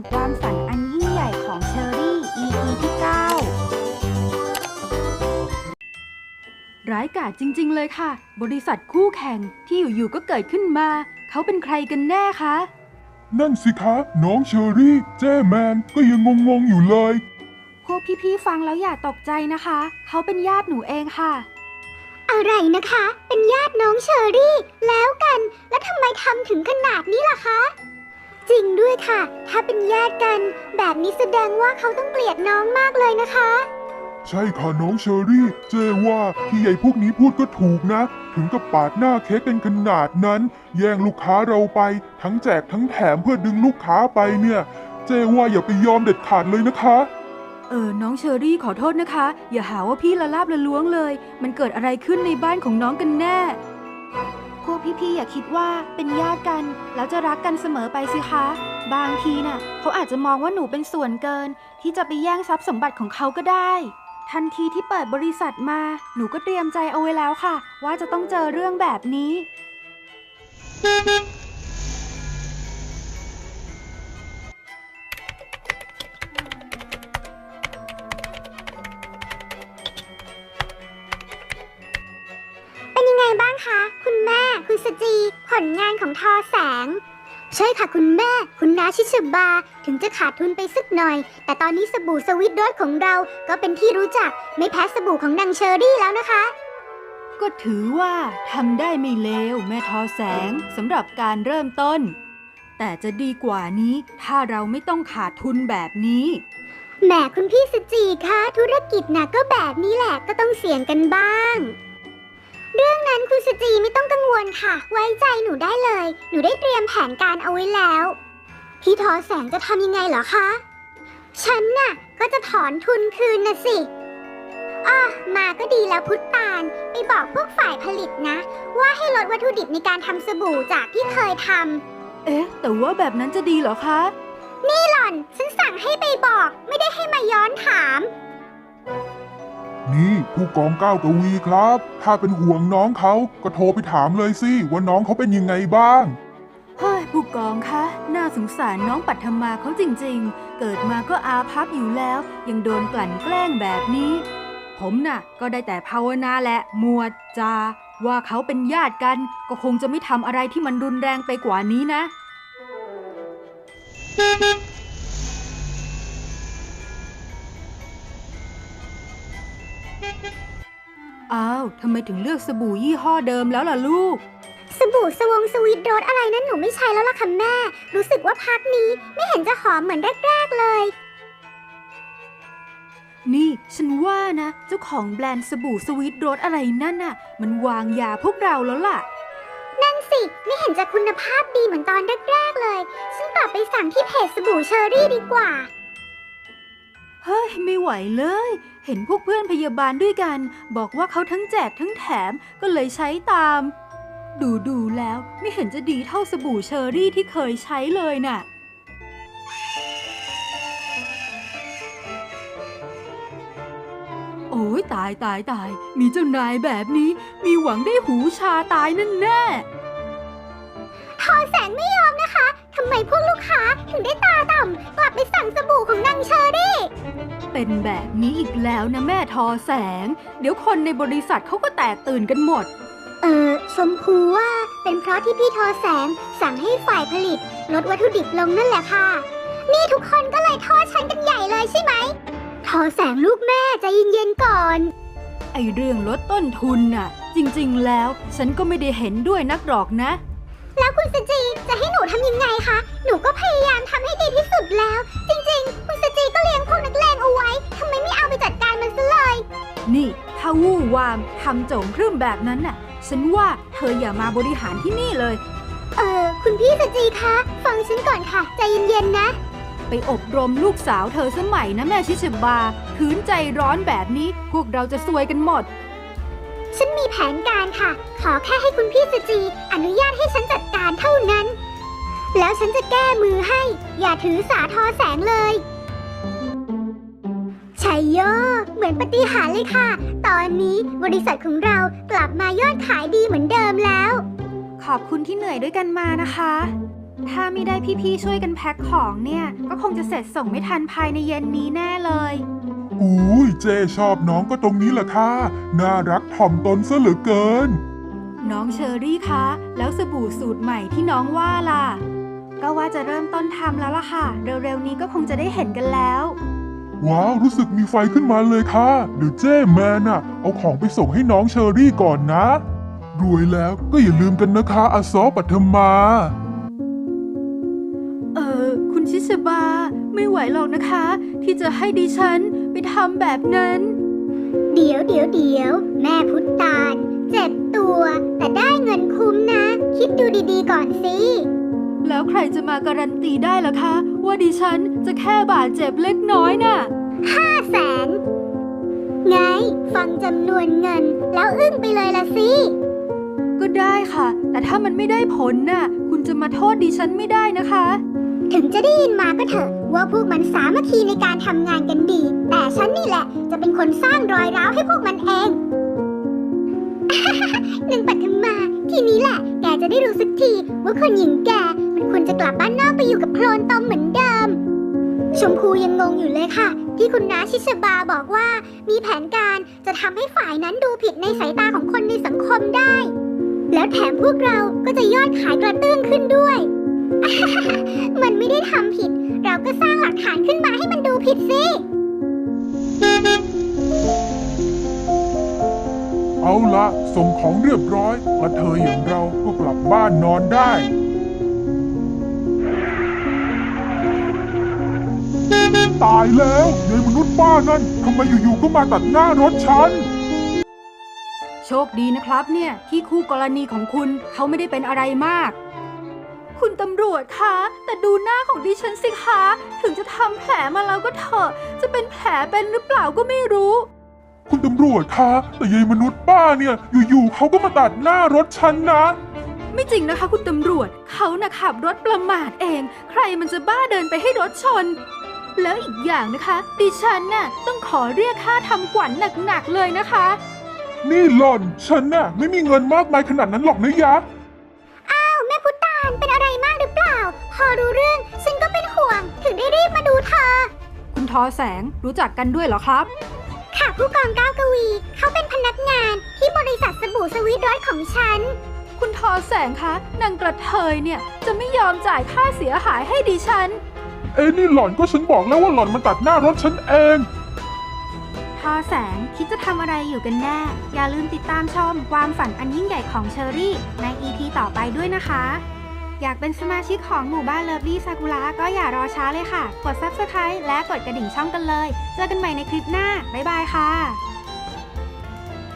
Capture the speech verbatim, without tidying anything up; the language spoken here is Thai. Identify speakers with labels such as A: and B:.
A: ความฝันอันยิ่งใหญ่ของเชอรี่ อี พี ที่ เก้า ร้ายกาจจริงๆเลยค่ะบริษัทคู่แข่งที่อยู่ๆก็เกิดขึ้นมาเขาเป็นใครกันแน่คะ
B: นั่นสิคะน้องเชอรี่เจ้แมนก็ยังงงๆอยู่เลย
A: พวกพี่ๆฟังแล้วอย่าตกใจนะคะเขาเป็นญาติหนูเองค่ะ
C: อะไรนะคะเป็นญาติน้องเชอรี่แล้วกันแล้วทำไมทำถึงขนาดนี้ล่ะคะจริงด้วยค่ะถ้าเป็นญาติกันแบบนี้แสดงว่าเขาต้องเกลียดน้องมากเลยนะคะ
B: ใช่ค่ะน้องเชอรี่เจ้ว่าที่ใหญ่พวกนี้พูดก็ถูกนะถึงกับปาดหน้าเค้กกันขนาดนั้นแย่งลูกค้าเราไปทั้งแจกทั้งแถมเพื่อดึงลูกค้าไปเนี่ยเจ้ว่าอย่าไปยอมเด็ดขาดเลยนะคะ
A: เออน้องเชอรี่ขอโทษนะคะอย่าหาว่าพี่ละลาบละล้วงเลยมันเกิดอะไรขึ้นในบ้านของน้องกันแน่พวกพี่ๆอย่าคิดว่าเป็นญาติกันแล้วจะรักกันเสมอไปสิคะบางทีน่ะเขาอาจจะมองว่าหนูเป็นส่วนเกินที่จะไปแย่งทรัพย์สมบัติของเขาก็ได้ทันทีที่เปิดบริษัทมาหนูก็เตรียมใจเอาไว้แล้วค่ะว่าจะต้องเจอเรื่องแบบนี้
C: เป็นยังไงบ้างคะคุณแม่คุณสจีผลงานของทอแสงใช่ค่ะคุณแม่คุณน้าชิชบาถึงจะขาดทุนไปสักหน่อยแต่ตอนนี้สบู่สวิตรสของเราก็เป็นที่รู้จักไม่แพ้สบู่ของนางเชอรี่แล้วนะคะ
A: ก็ถือว่าทำได้ไม่เลวแม่ทอแสงสำหรับการเริ่มต้นแต่จะดีกว่านี้ถ้าเราไม่ต้องขาดทุนแบบนี้
C: แหมคุณพี่สจีคะธุรกิจน่ะก็แบบนี้แหละก็ต้องเสี่ยงกันบ้างเรื่องนั้นคุณสจีไม่ต้องกังวลค่ะไว้ใจหนูได้เลยหนูได้เตรียมแผนการเอาไว้แล้วพี่ทอแสงจะทำยังไงเหรอคะฉันน่ะก็จะถอนทุนคืนน่ะสิอ้อมาก็ดีแล้วพุทธตาลไปบอกพวกฝ่ายผลิตนะว่าให้ลดวัตถุดิบในการทำสบู่จากที่เคยท
A: ำเอ๊ะแต่ว่าแบบนั้นจะดีเหรอคะ
C: นี่หล่อนฉันสั่งให้ไปบอกไม่ได้ให้มาย้อนถาม
B: นี่ผู้กองก้าวกวีครับถ้าเป็นห่วงน้องเขาก็โทรไปถามเลยสิว่าน้องเขาเป็นยังไงบ้าง
A: เฮ้ยผู้กองคะน่าสงสารน้องปัทมาเขาจริงๆเกิดมาก็อาภัพอยู่แล้วยังโดนกลั่นแกล้งแบบนี้ผมน่ะก็ได้แต่ภาวนาแหละหมวดจาว่าเขาเป็นญาติกันก็คงจะไม่ทำอะไรที่มันรุนแรงไปกว่านี้นะอ้าวทำไมถึงเลือกสบู่ยี่ห้อเดิมแล้วล่ะลูก
C: สบู่สวงสวีทรสอะไรนั้นหนูไม่ใช้แล้วล่ะค่ะแม่รู้สึกว่าพักนี้ไม่เห็นจะหอมเหมือนแรกๆเลย
A: นี่ฉันว่านะเจ้าของแบรนด์สบู่สวีทรสอะไรนั่นน่ะมันวางยาพวกเราแล้วล่ะ
C: นั่นสิไม่เห็นจะคุณภาพดีเหมือนตอนแรกๆเลยฉันกลับไปสั่งที่เพจสบู่เชอรี่ดีกว่า
A: เฮ้ยไม่ไหวเลยเห็นพวกเพื่อนพยาบาลด้วยกันบอกว่าเขาทั้งแจกทั้งแถมก็เลยใช้ตามดูดูแล้วไม่เห็นจะดีเท่าสบู่เชอรี่ที่เคยใช้เลยน่ะโอ้ยตายตายตายมีเจ้านายแบบนี้มีหวังได้หูชาตายนั่นแน่
C: ทอแสงไม่ยอมนะคะทำไมพวกลูกค้าถึงได้ตาต่ำกลับไปสั่งสบู่ของนางเชอรี่
A: เป็นแบบนี้อีกแล้วนะแม่ทอแสงเดี๋ยวคนในบริษัทเขาก็แตกตื่นกันหมด
C: เออชมพูว่าเป็นเพราะที่พี่ทอแสงสั่งให้ฝ่ายผลิตลดวัตถุดิบลงนั่นแหละค่ะนี่ทุกคนก็เลยโทษฉันกันใหญ่เลยใช่ไหมทอแสงลูกแม่ใจเย็นๆก่อน
A: ไอเรื่องลดต้นทุนน่ะจริงๆแล้วฉันก็ไม่ได้เห็นด้วยนักหรอกนะ
C: แล้วคุณสจีจะให้หนูทำยังไงคะหนูก็พยายามทำให้ดีที่สุดแล้วจริงๆคุณสจีก็เลี้ยงพวกนักเลงเอาไว้ทำไมไม่เอาไปจัดการมันซะเลย
A: นี่ถ้าวู่วามทำโจงครึ่มแบบนั้นน่ะฉันว่าเธออย่ามาบริหารที่นี่เลย
C: เออคุณพี่สจีคะฟังฉันก่อนค่ะใจเย็นๆนะ
A: ไปอบรมลูกสาวเธอสมัยนะแม่ชิชบาขืนใจร้อนแบบนี้พวกเราจะซวยกันหมด
C: ฉันมีแผนการค่ะขอแค่ให้คุณพี่สจีอนุญาตให้ฉันจัดการเท่านั้นแล้วฉันจะแก้มือให้อย่าถือสาทอแสงเลยชัยโยเหมือนปาฏิหาริย์เลยค่ะตอนนี้บริษัทของเรากลับมายอดขายดีเหมือนเดิมแล้ว
A: ขอบคุณที่เหนื่อยด้วยกันมานะคะถ้าไม่ได้พี่ๆช่วยกันแพ็คของเนี่ยก็คงจะเสร็จส่งไม่ทันภายในเย็นนี้แน่เลย
B: อุ้ยเจชอบน้องก็ตรงนี้แหละค่ะน่ารักถ่อมตนซะเหลือเกิน
A: น้องเชอรี่คะแล้วสบู่สูตรใหม่ที่น้องว่าล่ะก็ว่าจะเริ่มต้นทำแล้วล่ะค่ะเร็วๆนี้ก็คงจะได้เห็นกันแล้ว
B: ว้าวรู้สึกมีไฟขึ้นมาเลยค่ะเดี๋ยวเจ้แมนน่ะเอาของไปส่งให้น้องเชอรี่ก่อนนะ รวยแล้วก็อย่าลืมกันนะคะอาซอปัทมา
A: เออคุณชิชบาไม่ไหวหรอกนะคะ ที่จะให้ดิฉันไปทำแบบนั้น
C: เดี๋ยวเดี๋ยวเดี๋ยวแม่พุทธตาลเจ็บตัว แต่ได้เงินคุ้มนะ คิดดูดีๆก่อนสิ
A: แล้วใครจะมาการันตีได้ล่ะคะ ว่าดิฉันจะแค่บาดเจ็บเล็กน้อยน่ะ
C: ห้าแสนไงฟังจำนวนเงิน แล้วอึ้งไปเลยละสิ
A: ก็ได้ค่ะ แต่ถ้ามันไม่ได้ผลน่ะ คุณจะมาโทษดิฉันไม่ได้นะคะ
C: ถึงจะได้ยินมาก็เถอะว่าพวกมันสามัคคีในการทำงานกันดี แต่ฉันนี่แหละจะเป็นคนสร้างรอยร้าวให้พวกมันเอง หนึ่งปัทมาทีนี้แหละแกจะได้รู้สักทีว่าคนหญิงแกมันควรจะกลับบ้านนอกไปอยู่กับโคลนตมเหมือนเดิม ชมพูยังงงอยู่เลยค่ะ ที่คุณน้าชิชบาบอกว่ามีแผนการจะทำให้ฝ่ายนั้นดูผิดในสายตาของคนในสังคมได้ แล้วแถมพวกเราก็จะยอดขายกระเตื้องขึ้นด้วย มันไม่ได้ทำผิด เราก็สร้างหลักฐานขึ้นมาให้มันดูผิดสิ
B: เอาละส่งของเรียบร้อยกระเทยอย่างเราก็กลับบ้านนอนได้ ตายแล้วยายมนุษย์ป้านั่นทำไมอยู่ๆก็มาตัดหน้ารถฉัน
A: โชคดีนะครับเนี่ยที่คู่กรณีของคุณเขาไม่ได้เป็นอะไรมาก คุณตำรวจคะแต่ดูหน้าของดิฉันสิคะถึงจะทำแผลมาแล้วก็เถอะจะเป็นแผลเป็นหรือเปล่าก็ไม่รู้
B: คุณตำรวจคะแต่ยายมนุษย์ป้าเนี่ยอยู่ๆเขาก็มาตัดหน้ารถฉันนะ
A: ไม่จริงนะคะคุณตำรวจเขาน่ะขับรถประมาทเอง ใครมันจะบ้าเดินไปให้รถชน แล้วอีกอย่างนะคะ ดิฉันน่ะต้องขอเรียกค่าทำขวัญหนักๆเลยนะคะ
B: นี่หล่อนฉันน่ะไม่มีเงินมากมายขนาดนั้นหรอกนะยะ
C: อ้าวแม่พุทธตาลเป็นอะไรมากหรือเปล่า พอรู้เรื่องฉันก็เป็นห่วง ถึงได้รีบมาดูเธอ
A: คุณทอแสงรู้จักกันด้วยเหรอครับ
C: ค่ะผู้กองก้าวกวี เขาเป็นพนักงานที่บริษัทสบู่สวีทรสของฉัน
A: คุณทอแสงคะนางกระเทยเนี่ยจะไม่ยอมจ่ายค่าเสียหายให้ดิฉัน
B: เอ้นี่หล่อนก็ฉันบอกแล้วว่าหล่อนมาตัดหน้ารถฉันเอง
A: ทอแสงคิดจะทำอะไรอยู่กันแน่ อย่าลืมติดตามชมความฝันอันยิ่งใหญ่ของเชอรี่ใน อี พี ต่อไปด้วยนะคะ อยากเป็นสมาชิกของหมู่บ้านเลิฟลี่ซากุระก็อย่ารอช้าเลยค่ะ กด ซับสไครบ์ และกดกระดิ่งช่องกันเลย เจอกันใหม่ในคลิปหน้า บ๊ายบายค่ะ